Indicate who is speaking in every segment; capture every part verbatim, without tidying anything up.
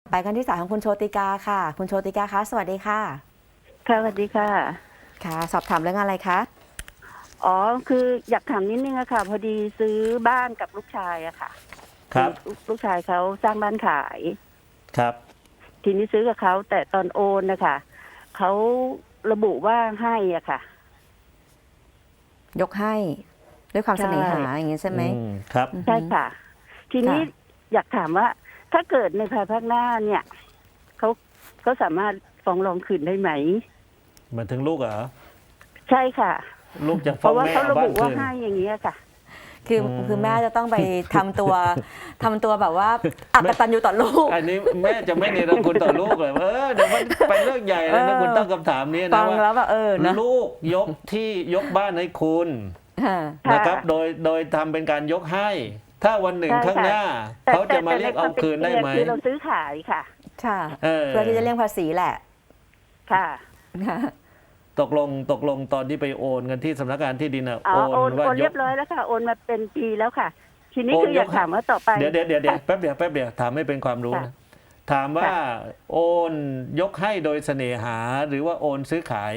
Speaker 1: ไปกันที่สายของคุณโชติกาค่ะ คุณโชติกาคะสวัสดีค่ะ
Speaker 2: ค่ะสวัสดีค่ะ
Speaker 1: ค่ะ สอบถามเรื่องอะไรคะ
Speaker 2: อ๋อคืออยากถามนิดนึงอะค่ะพอดีซื้อบ้านกับลูกชายอะค่ะ
Speaker 3: ครับ
Speaker 2: ลูกลูกชายเขาสร้างบ้านขาย
Speaker 3: ครับ
Speaker 2: ทีนี้ซื้อกับเขาแต่ตอนโอนนะคะเขาระบุว่าให้อ่ะค่ะ
Speaker 1: ยกให้ด้วยความเส
Speaker 2: ใช่
Speaker 1: น่หาอย่างนี้ใช่ไหม
Speaker 3: อืมครับ
Speaker 1: อือฮึ
Speaker 2: ใช่ค่ะ ทีนี้
Speaker 1: ค่ะ
Speaker 2: อยากถามว่า ถ้าเกิดในภายภาคหน้าเนี่ยเขาเขาสามารถฟ้องร้องคืนได้ไหม
Speaker 3: หมายถึงลูกเหรอ
Speaker 2: ใช่ค่ะ
Speaker 3: ลูกจะ
Speaker 2: เพ
Speaker 3: ฟ้อง
Speaker 2: ราะว่า
Speaker 3: แม่
Speaker 2: เขา
Speaker 3: เอา
Speaker 2: ระ
Speaker 3: บ้า
Speaker 2: บุ
Speaker 3: น
Speaker 2: ว่า
Speaker 3: คืน
Speaker 2: ให้อย่างนี้ยค่ะ
Speaker 1: คือ
Speaker 3: อืม
Speaker 1: คือแม่จะต้องไปทำตัวทำตัวแบบว่าอักตันอยู่ต่อลูก
Speaker 3: อันนี้แม่จะไม่เนรคุณต่อลูกเลยเออเดี๋ยวมันเป็นเรื่องใหญ่เลยนะ
Speaker 1: เออ
Speaker 3: คุณตั้งคำถามนี้
Speaker 1: ฟั
Speaker 3: นะ
Speaker 1: ง
Speaker 3: ว่า
Speaker 1: แล้วแบบเออนะ
Speaker 3: ลูกยกที่ยกบ้านให้คุณ
Speaker 1: ค่ะ
Speaker 2: ค่ะ
Speaker 3: นะครับ โดยโดยทำเป็นการยกให้ ถ้าวันหนึ่ง
Speaker 2: ใช่
Speaker 3: ข้าง
Speaker 2: ค่ะ
Speaker 3: หน้า
Speaker 2: แต่
Speaker 3: เขาจะ
Speaker 2: แต่
Speaker 3: มา
Speaker 2: แต่
Speaker 3: เรียก
Speaker 2: ในคว
Speaker 3: เอา
Speaker 2: มป็น
Speaker 3: คืนได้
Speaker 2: จริง
Speaker 3: ไหม
Speaker 2: คือเราซื้อขายค่ะ
Speaker 1: ค่ะ
Speaker 3: เออ
Speaker 1: เพื่อที่จะเลี่ยงภาษีแหละ
Speaker 2: ค่ะ
Speaker 1: ค่ะ
Speaker 3: ตกลงตกลงตอนที่ไปโอนกันที่สำนักงานที่ดินอะ
Speaker 2: อ๋อ
Speaker 3: โอน
Speaker 2: โอน
Speaker 3: ว่า
Speaker 2: โอน
Speaker 3: ย
Speaker 2: เรีย
Speaker 3: ก
Speaker 2: บร้อยแล้วค่ะโอนมาเป็นปีแล้วค่ะ ทีนี้
Speaker 3: โอน
Speaker 2: คืออยาก
Speaker 3: ยกให้
Speaker 2: ถามว่าต่อไป
Speaker 3: เดี๋ยวเดี๋ยวเดี๋ยวเดี๋ยวแป๊บเดียวแป๊บเดียวถามให้เป็นความรู้
Speaker 2: ค่ะ
Speaker 3: นะถามว่า
Speaker 2: ค่ะ
Speaker 3: โอนยกให้โดยเสน่หาหรือว่าโอนซื้อขาย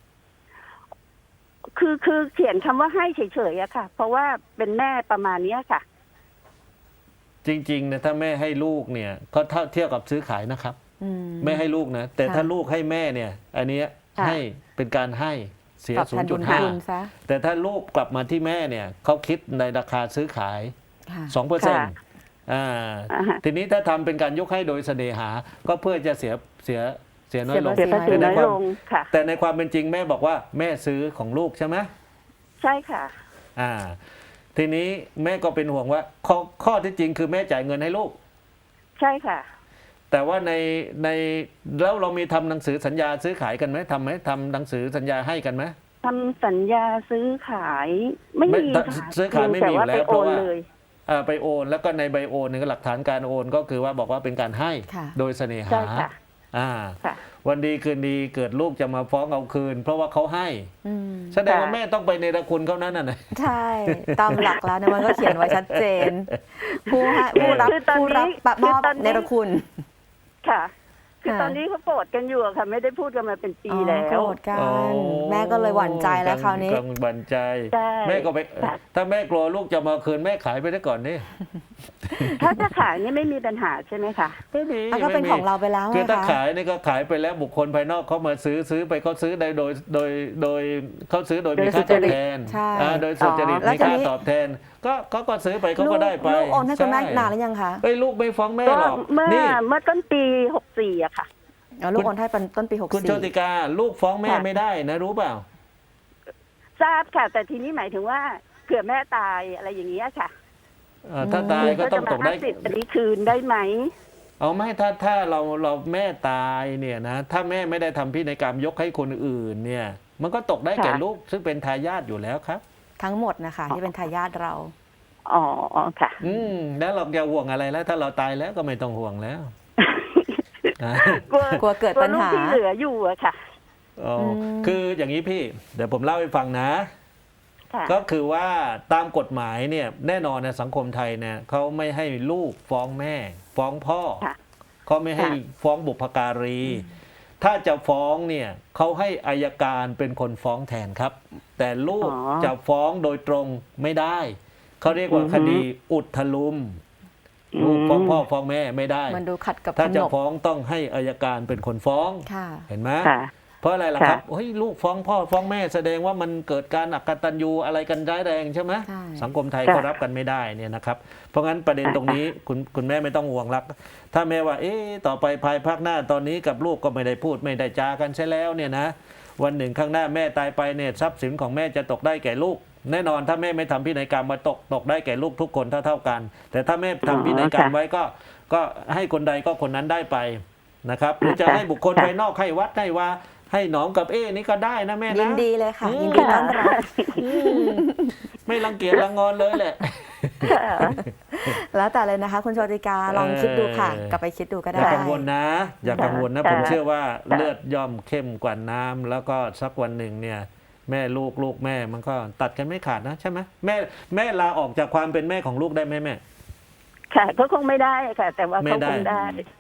Speaker 2: คือคือเขียนคำว่าให้เฉยๆอะค่ะ เพราะว่าเป็นแม่ประมาณเนี้ยค่ะ
Speaker 3: จริงๆนะถ้าแม่ให้ลูกเนี่ยก็เท่าเทียบกับซื้อขายนะครับ
Speaker 1: อืม
Speaker 3: แม่ให้ลูกนะแต่
Speaker 1: ค่ะ
Speaker 3: ถ้าลูกให้แม่เนี่ย อันเนี้ย
Speaker 2: ค่ะ
Speaker 3: ให้เป็นการให้เสีย
Speaker 1: ตอบแทนบุญคุณซะ
Speaker 3: 0.5 แต่ถ้าลูกกลับมาที่แม่เนี่ยเขาคิดในราคาซื้อขาย
Speaker 1: ค่ะ
Speaker 3: สองเปอร์เซ็นต์
Speaker 2: ค่ะ
Speaker 3: อ่า
Speaker 2: อ่าฮะ
Speaker 3: ทีนี้ถ้าทำเป็นการยกให้โดยเสน่หา ก็เพื่อจะเสียเสียเสียน้อยลง
Speaker 1: เสี
Speaker 2: เสียภาษี
Speaker 3: แต่ใน
Speaker 2: น้อย
Speaker 3: ความ
Speaker 2: ลงค่ะ
Speaker 3: แต่ในความเป็นจริงแม่บอกว่าแม่ซื้อของลูกใช่ไหม
Speaker 2: ใช่ค่ะ
Speaker 3: อ่า ทีนี้แม่ก็เป็นห่วงว่าข้อข้อที่จริงคือแม่จ่ายเงินให้ลูก
Speaker 2: ใช่ค่ะ
Speaker 3: แต่ว่าในในแล้วเรามีทำหนังสือสัญญาซื้อขายกันไหมทำไหมทำหนังสือสัญญาให้กันไหม
Speaker 2: ทำสัญญาซื้อขายไม่
Speaker 3: ไม่
Speaker 2: มี
Speaker 3: แต่
Speaker 2: ค่ะ
Speaker 3: ซื้อขายไม่มีอยู่
Speaker 2: แต่ว่า
Speaker 3: แล้
Speaker 2: ไป
Speaker 3: ว
Speaker 2: โอน
Speaker 3: เพราะว่า
Speaker 2: เลย
Speaker 3: อ่าไปโอนแล้วก็ในใบโอนเนี่ยหลักฐานการโอนก็คือว่าบอกว่าเป็นการให้
Speaker 1: ค่ะ
Speaker 3: โดยเสน่
Speaker 2: ใช่
Speaker 3: หา
Speaker 2: ค่ะ
Speaker 3: อ่า
Speaker 2: ค่ะ
Speaker 3: วันดีคืนดีเกิดลูกจะมาฟ้องเอาคืน เพราะว่าเขาให้
Speaker 1: อืม
Speaker 3: แสดงว่า
Speaker 2: ค่ะ
Speaker 3: แม่ต้องไปในรคุณเขานั้นน่ะนะ
Speaker 1: ใช่ ตามหลักแล้วเนี่ยมันก็เขียนไว้ชัดเจน ผู้ให้ผู้รับ
Speaker 2: คือตอน
Speaker 1: ผู้รับ
Speaker 2: นี้
Speaker 1: ปะมอบ
Speaker 2: คือตอนนี้
Speaker 1: เนรคุณ
Speaker 2: ค่ะ คือ
Speaker 1: ค่ะ
Speaker 2: ตอนนี้เขาโกรธกันอยู่อะค่ะ ไม่ได้พูดกันมาเป็นปี
Speaker 1: อ๋อ
Speaker 2: แล้
Speaker 1: โกร
Speaker 2: ว
Speaker 1: ธกั
Speaker 3: อ๋อ
Speaker 1: น แม่ก็เลยหวั่นใจแล้วคราวนี้
Speaker 3: กังวลใจ
Speaker 2: ใช่
Speaker 3: แม่ก็ไป
Speaker 2: ค่ะ
Speaker 3: ถ้าแม่กลัวลูกจะมาคืนแม่ขายไปได้ก่อนนี่
Speaker 2: ถ้าจะขายนี่ไม่มีปัญหาใช่ไหมคะ
Speaker 3: ไม่มี
Speaker 1: อ่ะก็เป็น
Speaker 3: ไม่มี
Speaker 1: ของเราไปแล้ว
Speaker 3: คือ
Speaker 1: ไง
Speaker 3: ถ้า
Speaker 1: คะ
Speaker 3: ขายนี่ก็ขายไปแล้วบุคคลภายนอกเขามาซื้อซื้อไปเขาซื้อได้โดยโดยโดยเขาซื้อโดย
Speaker 1: โดย
Speaker 3: มีค่าตอบแทน
Speaker 1: ใช่
Speaker 3: อ่าโดยสุจริต
Speaker 2: อ๋อแล้ว
Speaker 3: มี
Speaker 1: ที
Speaker 3: ค่า
Speaker 1: นี้
Speaker 3: ตอบแทน ก็เขาก็ซื้อไปเขา
Speaker 1: ลู
Speaker 3: ก็
Speaker 1: ก
Speaker 3: ได้ไป
Speaker 1: ลูกโอนให้คุณแม่
Speaker 3: ช่
Speaker 1: นานหรือยังคะ
Speaker 3: เอ้ยลูกไม่ฟ้องแม่
Speaker 2: ก็
Speaker 3: หรอก
Speaker 2: เมื่อ
Speaker 3: นี่
Speaker 2: เมื่อต้นปีหกสี่อะค่ะ
Speaker 1: อ๋อลูกโอนให้เป็นต้นปีหก
Speaker 3: คุณ
Speaker 1: สี่
Speaker 3: โชติกาลูกฟ้องแม่
Speaker 2: ค่ะ
Speaker 3: ไม่ได้นะรู้เปล่า
Speaker 2: ทราบค่ะ แต่ทีนี้หมายถึงว่าเผื่อแม่ตายอะไรอย่างเงี้ยค่ะ
Speaker 3: เอ่อถ้าตายก็ต้องตกได้
Speaker 2: สิทธิ์อันนี้คืนได้ไหม
Speaker 3: เอาไม่ถ้าถ้าเราเราแม่ตายเนี่ยนะถ้าแม่ไม่ได้ทำพินัยกรรมยกให้คนอื่นเนี่ย มันก็ตกได้แก่
Speaker 2: ค่ะ
Speaker 3: ลูกซึ่งเป็นทายาทอยู่แล้วครับ
Speaker 1: ทั้งหมดนะคะ ที่เป็นทายาทเรา
Speaker 2: อ๋อค่ะ
Speaker 3: อืมแล้วเราจะห่วงอะไรแล้ว ถ้าเราตายแล้วก็ไม่ต้องห่วงแล้วนะ
Speaker 2: กลัว
Speaker 1: กลัวเกิดปัญหา
Speaker 2: กลัวลูกที่เหลืออยู่อะค่ะ
Speaker 3: อ๋ออ
Speaker 1: ม
Speaker 3: คืออย่างนี้พี่ เดี๋ยวผมเล่าให้ฟังนะ
Speaker 2: ค่ะ
Speaker 3: ก็คือว่าตามกฎหมายเนี่ยแน่นอนนะสังคมไทยเนี่ยเขาไม่ให้ลูกฟ้องแม่ ฟ้องพ่อ
Speaker 2: ค่ะ
Speaker 3: เขาไม่ให้
Speaker 2: ค่ะ
Speaker 3: ฟ้องบุพการี ถ้าจะฟ้องเนี่ยเขาให้อายการเป็นคนฟ้องแทนครับ แต่ลูก
Speaker 2: อ๋อ
Speaker 3: จะฟ้องโดยตรงไม่ได้เขาเรียกว่า
Speaker 2: อือฮึ
Speaker 3: คดีอุทลุมลูกฟ้องพ่อฟ้องแม่ไม่ได้
Speaker 1: มันดูขัดกับ
Speaker 3: ถ้า
Speaker 1: ข
Speaker 3: จะ
Speaker 1: นบ
Speaker 3: ฟ้องต้องให้อายการเป็นคนฟ้อง
Speaker 1: ค่ะ
Speaker 3: เห็นไหม
Speaker 2: ค่ะ
Speaker 3: เพราะอะไรล่ะ
Speaker 2: ค่ะ
Speaker 3: ครับเฮ้ยลูกฟ้องพ่อฟ้องแม่แสดงว่ามันเกิดการอักตันยูอะไรกันร้ายแรงใช่ไหม
Speaker 1: ใช่
Speaker 3: สังคมไทย
Speaker 2: ค่ะ
Speaker 3: เขารับกันไม่ได้เนี่ยนะครับเพราะงั้นประเด็น
Speaker 2: ค่ะ
Speaker 3: ตรงนี้คุณคุณแม่ไม่ต้องห่วงรัก ถ้าแม่ว่าเอ๊ะต่อไปภายภาคหน้าตอนนี้กับลูกก็ไม่ได้พูดไม่ได้จากันใช่แล้วเนี่ยนะวันหนึ่งข้างหน้าแม่ตายไปเนี่ยทรัพย์สินของแม่จะตกได้แก่ลูก แน่นอนถ้าแม่ไม่ทำพินัยกรรมมาตกตกได้แก่ลูกทุกคนเท่าเท่าๆกัน แต่ถ้าแม่ทำพินัยกรรมไว้ก็ก็ให้คนใดก็คนนั้นได้ไปนะครับหรือจะให้บุคคลภายนอกให้วัดให้ว่าให้หนองกับเอ๊นี่ก็ได้นะแม่นะ
Speaker 1: ยินดีเลยค่ะ
Speaker 3: อืม
Speaker 1: ยินดีต้อนรับ
Speaker 3: อืมไม่รังเกียจรังงอนเลยแหละ
Speaker 2: ค่ะ
Speaker 1: แล้วแต่เลยนะคะ คุณโชติกาลองคิดดูค่ะ
Speaker 3: เออ
Speaker 1: กลับไปคิดดูก็
Speaker 3: อ
Speaker 1: ได้
Speaker 3: ย่ากังวลนะ อย่ากังวลนะ
Speaker 2: ค่ะ
Speaker 3: ผมเชื่อว่า
Speaker 2: ค่ะ
Speaker 3: เลือดย่อมเข้มกว่าน้ำแล้วก็สักวันหนึ่งเนี่ย แม่ลูกลูกแม่มันก็ตัดกันไม่ขาดนะใช่ไหมแม่แม่ลาออกจากความเป็นแม่ของลูกได้ไหมแม่
Speaker 2: ค่ะก็คงไม่ได้ค่ะ แต่ว่า
Speaker 3: ไม่
Speaker 2: เขา
Speaker 3: ได้
Speaker 2: คงได้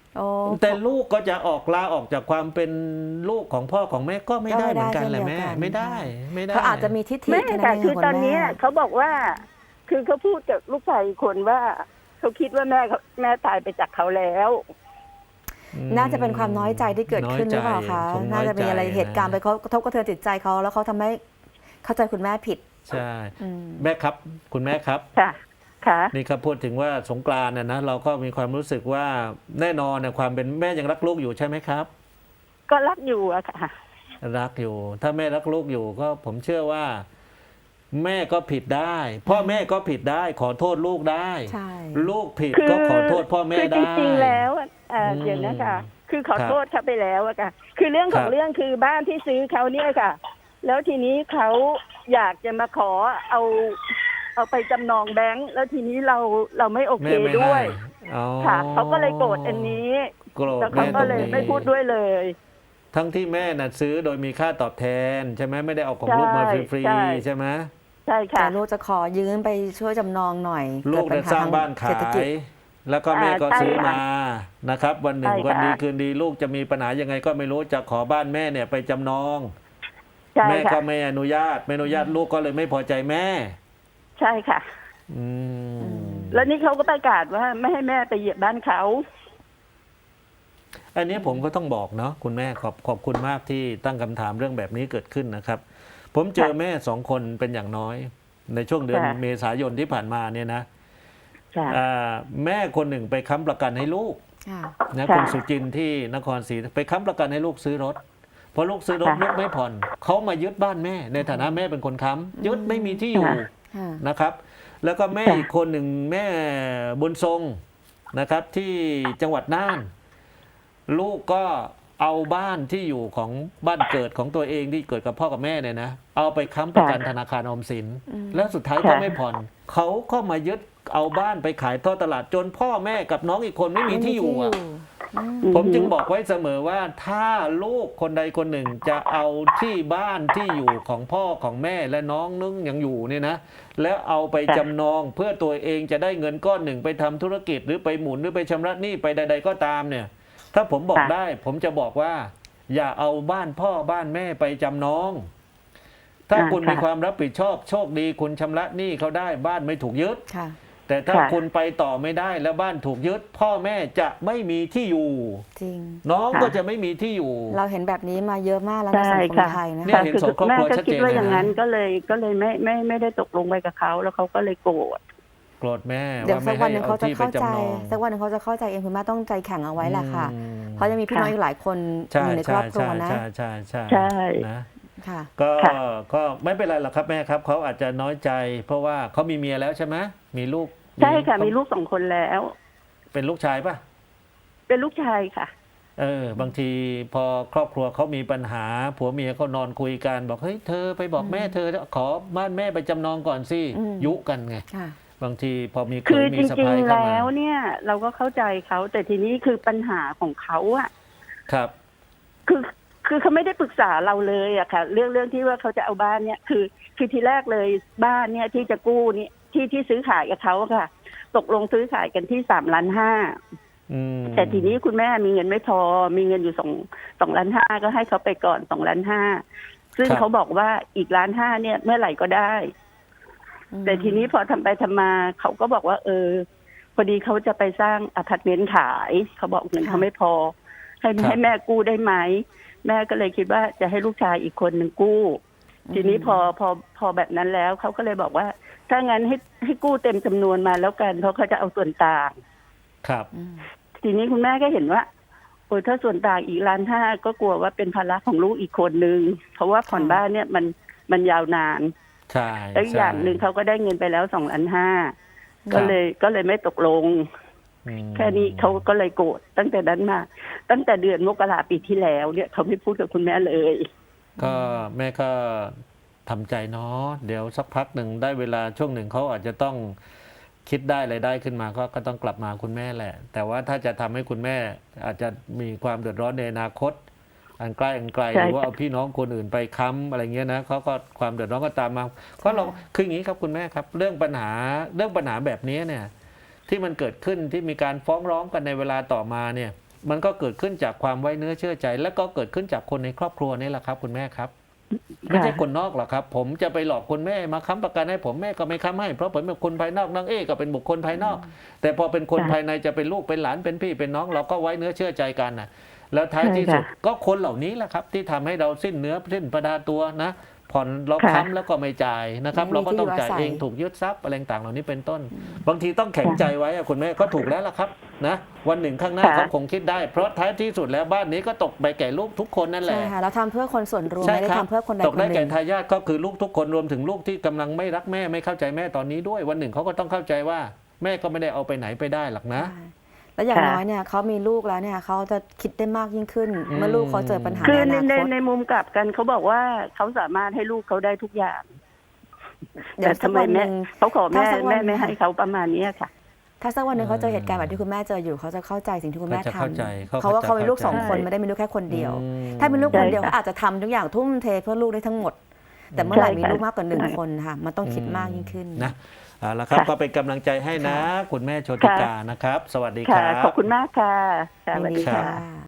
Speaker 1: โอ้
Speaker 3: แต่ลูกก็จะออกลาออกจากความเป็นลูกของพ่อของแม่ก็ไม่ได้เหมือนกันแหละแม่ไม่ได้ไม่ได้
Speaker 1: เขาอาจจะมีทิฏฐิ
Speaker 2: ไม่
Speaker 1: แค่
Speaker 2: ค่ะ
Speaker 1: นั้นเอง
Speaker 2: คือ
Speaker 1: ค่ะ
Speaker 2: ตอน
Speaker 1: คุณ
Speaker 2: เนี้
Speaker 1: แม่
Speaker 2: ยเขาบอกว่า คือเขาพูดกับลูกชายอีกคนว่าเขาคิดว่าแม่เขาแม่ตายไปจากเขาแล้ว
Speaker 1: น่าจะเป็นความน้อยใจที่เกิดขึ้นหรือเปล่าคะ
Speaker 3: น้อยใจ
Speaker 1: น่าจะมีอะไร
Speaker 3: คงน้อยใจ
Speaker 1: เหตุการณ์ไปกระทบกระเทือนจิตใจเขาแล้วเขาทำให้เข้าใจคุณแม่ผิด
Speaker 3: ใช่
Speaker 1: อืม
Speaker 3: แม่ครับคุณแม่ครับ
Speaker 2: ค่ะค่ะ
Speaker 3: นี่ครับพูดถึงว่าสงกรานต์น่ะนะเราก็มีความรู้สึกว่าแน่นอนนะความเป็นแม่ยังรักลูกอยู่ใช่ไหมครับ
Speaker 2: ก็รักอยู่อะค่ะ
Speaker 3: รักอยู่ ถ้าแม่รักลูกอยู่ก็ผมเชื่อว่า แม่ก็ผิดได้ พ่อแม่ก็ผิดได้ ขอโทษลูกได้
Speaker 1: ใช่
Speaker 3: ลูกผิด
Speaker 2: คือ
Speaker 3: ก็ขอโทษพ่อแม่
Speaker 2: คือ
Speaker 3: ได้
Speaker 2: จริงๆแล้วอะเอ่อ
Speaker 3: อืม
Speaker 2: เดี๋ยวนะคะคือขอ
Speaker 3: ครับ
Speaker 2: โทษเขาไปแล้วอะค่ะ คือเรื่องขอ
Speaker 3: ค
Speaker 2: ง
Speaker 3: รับ
Speaker 2: เรื่องคือบ้านที่ซื้อเขาเนี่ยค่ะ แล้วทีนี้เขาอยากจะมาขอเอาเอาไปจำนองแบงค์แล้วทีนี้เราเราไม่โอเค
Speaker 3: แม่ไม่
Speaker 2: ด้วย
Speaker 3: ให้อ๋อ
Speaker 2: ค่ะเขาก็เลยโกรธอันนี้
Speaker 3: โกรธ
Speaker 2: แล้วเขา
Speaker 3: แม่
Speaker 2: ก็
Speaker 3: ตรง
Speaker 2: เลย
Speaker 3: นี้
Speaker 2: ไม่พูดด้วยเลย
Speaker 3: ทั้งที่แม่น่ะซื้อโดยมีค่าตอบแทนใช่ไหมไม่ได้เอาของลูกมาฟรี
Speaker 2: ใช่
Speaker 3: ๆใช่ไหม
Speaker 2: ใช่
Speaker 1: แต่
Speaker 2: ค่ะ
Speaker 1: ลูกจะขอยืมไปช่วยจำนองหน่อย
Speaker 3: ลูก
Speaker 1: เด
Speaker 3: ได้
Speaker 1: ปัญห
Speaker 3: สร้างบ้าน
Speaker 1: ท
Speaker 3: ขา
Speaker 1: เศรษฐกิจ
Speaker 3: ย แล้วก็แม่ก็
Speaker 2: อ่าใช่
Speaker 3: ซื้อ
Speaker 2: ค่ะ
Speaker 3: มานะครับ วันหนึ่ง
Speaker 2: ใช่ค่ะ
Speaker 3: วันดีคืนดีลูกจะมีปัญหายังไงก็ไม่รู้จะขอบ้านแม่เนี่ยไปจำนอง
Speaker 2: ใช่
Speaker 3: แม่
Speaker 2: ค่ะ
Speaker 3: ก็ไม่อนุญาตไม่อนุญาตลูกก็เลยไม่พอใจแม่
Speaker 2: ใช่ค่ะ
Speaker 3: อืม
Speaker 2: แล้วนี่เขาก็ประกาศว่าไม่ให้แม่ไปเหยียบบ้านเขา
Speaker 3: อันนี้ผมก็ต้องบอกเนาะคุณแม่ขอบขอบคุณมากที่ตั้งคำถามเรื่องแบบนี้เกิดขึ้นนะครับ ผมเจอ
Speaker 2: ค่ะ
Speaker 3: แม่สองคนเป็นอย่างน้อย ในช่วงเดือน
Speaker 2: ค่ะ
Speaker 3: เมษายนที่ผ่านมาเนี่ยนะ
Speaker 2: ค่ะ
Speaker 3: อ่าแม่คนหนึ่งไปค้ำประกันให้ลูก
Speaker 1: ค่ะ
Speaker 3: นะ
Speaker 2: ค่ะ
Speaker 3: คุณสุจินต์ที่นครศรีไปค้ำประกันให้ลูกซื้อรถพอลูกซื้อรถ
Speaker 2: ค่ะ
Speaker 3: ลูกไม่ผ่อนเขามายึดบ้านแม่ ในฐานะแม่เป็นคนค้ำยึดไม่มีที่อยู่
Speaker 2: ค่ะ
Speaker 1: ค่ะ
Speaker 3: นะครับ แล้วก็แม่
Speaker 2: ค่ะ
Speaker 3: อีกคนหนึ่งแม่บุญทรงนะครับ ที่จังหวัดน่าน ลูกก็เอาบ้านที่อยู่ของบ้านเกิดของตัวเองที่เกิดกับพ่อกับแม่เนี่ยนะเอาไปค้ำประกันธนาคารออมสิน
Speaker 1: อืม
Speaker 3: แล้วสุดท้ายก็ไม่ผ่อนเขาก็มายึดเอาบ้านไปขายทอดตลาดจนพ่อแม่กับน้องอีกคนไม่มีที่อยู่อะ
Speaker 1: อืม
Speaker 3: ผมจึงบอกไว้เสมอว่าถ้าลูกคนใดคนหนึ่งจะเอาที่บ้านที่อยู่ของพ่อของแม่และน้องนึงยังอยู่เนี่ยนะ แล้วเอาไป
Speaker 2: ค่ะ
Speaker 3: จำนองเพื่อตัวเองจะได้เงินก้อนหนึ่งไปทำธุรกิจหรือไปหมุนหรือไปชำระหนี้ไปใด ๆ ก็ตามเนี่ย ถ้าผมบอก
Speaker 2: ค่ะ
Speaker 3: ได้ ผมจะบอกว่า อย่าเอาบ้านพ่อบ้านแม่ไปจำนอง ถ้า
Speaker 2: อ่า
Speaker 3: คุณ
Speaker 2: ค่ะ
Speaker 3: มีความรับผิดชอบโชคดีคุณชำระหนี้เขาได้บ้านไม่ถูกยึด
Speaker 1: ค่ะ
Speaker 3: แต่ถ้า
Speaker 2: ค่ะ
Speaker 3: คุณไปต่อไม่ได้แล้วบ้านถูกยึด พ่อแม่จะไม่มีที่อยู่
Speaker 1: จริง
Speaker 3: น้อง
Speaker 2: ค่ะ
Speaker 3: ก็จะไม่มีที่อยู่
Speaker 1: เราเห็นแบบนี้มาเยอะมากแล้วใน
Speaker 2: ใช่
Speaker 1: สังคม
Speaker 2: ค่ะ
Speaker 1: ไทยนะ
Speaker 3: เนี่ย
Speaker 1: คะ
Speaker 3: เห็น
Speaker 2: คือ
Speaker 3: สองครอบ
Speaker 2: แม่
Speaker 3: ครัว
Speaker 2: ก็
Speaker 3: ชัด
Speaker 2: คิ
Speaker 3: เจ
Speaker 2: ด
Speaker 3: น
Speaker 2: ว่า
Speaker 3: เลย
Speaker 2: อย่างนั้น
Speaker 3: นะ
Speaker 2: ก็เลยก็เลยไม่ไม่ไม่ได้ตกลงไปกับเขาแล้วเขาก็เลยโกรธ
Speaker 3: โกรธแม่
Speaker 1: เดี๋ยว
Speaker 3: ว่า
Speaker 1: สั
Speaker 3: ไม่
Speaker 1: กวั
Speaker 3: ให้
Speaker 1: นหนึ่ง
Speaker 3: เอา
Speaker 1: เขาจะ
Speaker 3: ที่ไป
Speaker 1: เข้าใจ
Speaker 3: จำนอง
Speaker 1: สักวันหนึ่งเขาจะเข้าใจเองคุณแม่ต้องใจแข็งเอาไว้แหละค่ะ
Speaker 3: อืม
Speaker 1: เพราะยังมีพี่น้องอีกหลายคน
Speaker 3: ใช่
Speaker 1: อยู่ในค
Speaker 3: ใช่
Speaker 1: รอบครั
Speaker 3: ใช่
Speaker 1: วนะ
Speaker 3: ใช่ใช่ใช่
Speaker 2: ใช่
Speaker 3: นะ
Speaker 1: ค่ะ
Speaker 3: ก็
Speaker 2: ค่ะ
Speaker 3: ก็ไม่เป็นไรหรอกครับแม่ครับเขาอาจจะน้อยใจ เพราะว่าเขามีเมียแล้วใช่ไหมมีลูก
Speaker 2: ใช่ค่ะ
Speaker 3: เขา
Speaker 2: มีลูกสองคนแล้ว
Speaker 3: เป็นลูกชายป่ะ
Speaker 2: เป็นลูกชายค่ะ
Speaker 3: เออบางทีพอครอบครัวเขามีปัญหาผัวเมียเขานอนคุยกันบอกเฮ้ยเธอไปบอกแม่เธอขอบ้านแม่ไปจำนองก่อนสิ
Speaker 1: อืม
Speaker 3: ยุกันไง
Speaker 1: ค่ะ
Speaker 3: บางทีพอมี
Speaker 2: คือ
Speaker 3: เขย
Speaker 2: จ
Speaker 3: มีสะ
Speaker 2: ริง
Speaker 3: พ้าย
Speaker 2: ๆ
Speaker 3: เข้ามา
Speaker 2: แล้วเนี่ย เราก็เข้าใจเขาแต่ทีนี้คือปัญหาของเขาอะ
Speaker 3: ครับ
Speaker 2: คือคือเขาไม่ได้ปรึกษาเราเลยอะค่ะ เรื่องเรื่องที่ว่าเขาจะเอาบ้านเนี่ยคือคือทีแรกเลยบ้านเนี่ยที่จะกู้นี่ที่ที่ซื้อขายกับเขาอะค่ะ ตกลงซื้อขายกันที่สามล้านห้า
Speaker 3: อืม
Speaker 2: แต่ทีนี้คุณแม่มีเงินไม่พอ มีเงินอยู่สองสองล้านห้าก็ให้เขาไปก่อนสองล้านห้าซึ่งเขาบอกว่าอีกล้านห้าเนี่ยเมื่อไหร่ก็ได้ แต่ทีนี้พอทำไปทำมาเขาก็บอกว่า เออ พอดีเขาจะไปสร้างอพาร์ตเมนต์ขายเขาบอกเงินเขาไม่พอ ให้ให้แม่กู้ได้ไหมแม่ก็เลยคิดว่าจะให้ลูกชายอีกคนหนึ่งกู้ ทีนี้พอพอพอแบบนั้นแล้วเขาก็เลยบอกว่า ถ้างั้นให้ให้กู้เต็มจำนวนมาแล้วกันเพราะเขาจะเอาส่วนต่าง
Speaker 3: ครับ
Speaker 1: อืม
Speaker 2: ทีนี้คุณแม่ก็เห็นว่าโอ้ยถ้าส่วนต่างอีกล้านห้าก็กลัวว่าเป็นภาระของลูกอีกคนนึงเพราะว่าผ่อนบ้านเนี่ยมันมันยาวนาน
Speaker 3: ใช่
Speaker 2: แล้วอีกอย่างหนึ่งเขาก็ได้เงินไปแล้วสองล้านห้าก็เลยก็เลยไม่ตกลง
Speaker 3: อืม
Speaker 2: แค่นี้เขาก็เลยโกรธตั้งแต่นั้นมา ตั้งแต่เดือนมกราปีที่แล้วเนี่ยเขาไม่พูดกับคุณแม่เลย
Speaker 3: ก็แม่ก็ทำใจเนาะเดี๋ยวสักพักหนึ่งได้เวลาช่วงหนึ่งเขาอาจจะต้องคิดได้อะไรได้ขึ้นมาก็ก็ต้องกลับมาคุณแม่แหละ แต่ว่าถ้าจะทำให้คุณแม่อาจจะมีความเดือดร้อนในอนาคต อันใกล้อันไกล
Speaker 2: ใช่
Speaker 3: หรือว่าเอาพี่น้องคนอื่นไปค้ำอะไรเงี้ยนะเขาก็ความเดือดร้อนก็ตามมาเพราะเราคืออย่างนี้ครับคุณแม่ครับ เรื่องปัญหาเรื่องปัญหาแบบนี้เนี่ย ที่มันเกิดขึ้นที่มีการฟ้องร้องกันในเวลาต่อมาเนี่ยมันก็เกิดขึ้นจากความไว้เนื้อเชื่อใจ และก็เกิดขึ้นจากคนในครอบครัวนี่แหละครับคุณแม่ครับไม่ใช่คนนอกหรอกครับผมจะไปหลอกคุณแม่มาค้ำประกันให้ผมแม่ก็ไม่ค้ำให้เพราะผมเป็นคนภายนอกน้องเอก็เป็นบุคคลภายนอก แต่พอเป็นคนภายในจะเป็นลูกเป็นหลานเป็นพี่เป็นน้องเราก็ไว้เนื้อเชื่อใจกันนะแล้วท้ายที่สุดก็คนเหล่านี้แหละครับที่ทำให้เราสิ้นเนื้อสิ้นประดาตัวนะผ่อนเราค้ำแล้วก็ไม่จ่ายนะครับเราก็ต้องจ่ายเองถูกยึดทรัพย์อะไรต่างๆเหล่านี้เป็นต้น บางทีต้องแข็งใจไว้อะคุณแม่ก็ถูกแล้วล่ะครับนะวันหนึ่งข้างหน้าเขาคงคิดได้ เพราะท้ายที่สุดแล้วบ้านนี้ก็ตกไปแก่ลูกทุกคนนั่นแห
Speaker 1: ใช่
Speaker 3: ละ
Speaker 1: ค่ะเราทำเพื่อคนส่วนรวม
Speaker 3: ใช่
Speaker 1: ไม่ได้
Speaker 3: ครับ
Speaker 1: ทำเพื่อคนใด
Speaker 3: ตก
Speaker 1: คน
Speaker 3: ได้
Speaker 1: หนึ่
Speaker 3: แก่
Speaker 1: ง
Speaker 3: ทายาทก็คือลูกทุกคนรวมถึงลูกที่กำลังไม่รักแม่ไม่เข้าใจแม่ตอนนี้ด้วยวันหนึ่งเขาก็ต้องเข้าใจว่าแม่ก็ไม่ได้เอาไปไหนไปได้หรอกนะ
Speaker 1: ใช่แล้วอย่างน้อยเนี่ยเขามีลูกแล้วเนี่ยเขาจะคิดได้มากยิ่งขึ้น
Speaker 3: อืม
Speaker 1: เมื่อลูกเขาเจอปัญหา
Speaker 2: คือ
Speaker 1: ใน
Speaker 2: ใน
Speaker 1: อนา
Speaker 2: ใน
Speaker 1: คต
Speaker 2: ในมุมกลับกันเขาบอกว่าเขาสามารถให้ลูกเขาได้ทุกอย่าง
Speaker 1: เดี๋ยว
Speaker 2: แต่
Speaker 1: สัก
Speaker 2: ทำไม
Speaker 1: วันห
Speaker 2: แม่
Speaker 1: นึ่ง
Speaker 2: เขาขอแม่
Speaker 1: ถ้าสักวัน
Speaker 2: แม่ไม่ให้เขาประมาณเนี้ยค่ะ
Speaker 1: ถ้าสักวันหนึ่งเขาเจอเหตุการณ์
Speaker 3: เอ
Speaker 1: แบ
Speaker 3: อ
Speaker 1: บที่คุณแม่เจออยู่เขาจะเข้าใจสิ่งที่คุณแม่
Speaker 3: เขาจะ
Speaker 1: ท
Speaker 3: เข้าใจเขา
Speaker 1: ำเขาว่า
Speaker 3: จะ
Speaker 1: เขามีลูกสอง
Speaker 3: เข้าใจ
Speaker 1: คนไม่ได้มีลูกแค่คนเดียว
Speaker 3: อืม
Speaker 1: ถ้ามีลูกคนเดียว
Speaker 2: ใช่ค่ะ
Speaker 1: เขาอาจจะทำทุกอย่างทุ่มเทเพื่อลูกได้ทั้งหมด แต่เมื่อไหร่
Speaker 2: ใช่
Speaker 1: มี
Speaker 2: ค่ะ
Speaker 1: ลูกมากกว่าหนึ่ง
Speaker 2: ใช่
Speaker 1: คนค่ะมันต้องคิดมากยิ่งขึ้น
Speaker 3: นะเอาละครับ
Speaker 2: ค่ะ
Speaker 3: ก็เป็นกำลังใจให้นะ
Speaker 1: ค่ะ
Speaker 3: คุณแม่โชติกานะครับ สวัสดีค
Speaker 2: ค่ะ
Speaker 3: รับ
Speaker 2: ขอบคุณมากค่ะค่ะส
Speaker 1: ยิน
Speaker 2: วัส
Speaker 1: ดี
Speaker 2: ดี
Speaker 1: ค่
Speaker 2: ค่ะ
Speaker 1: ะ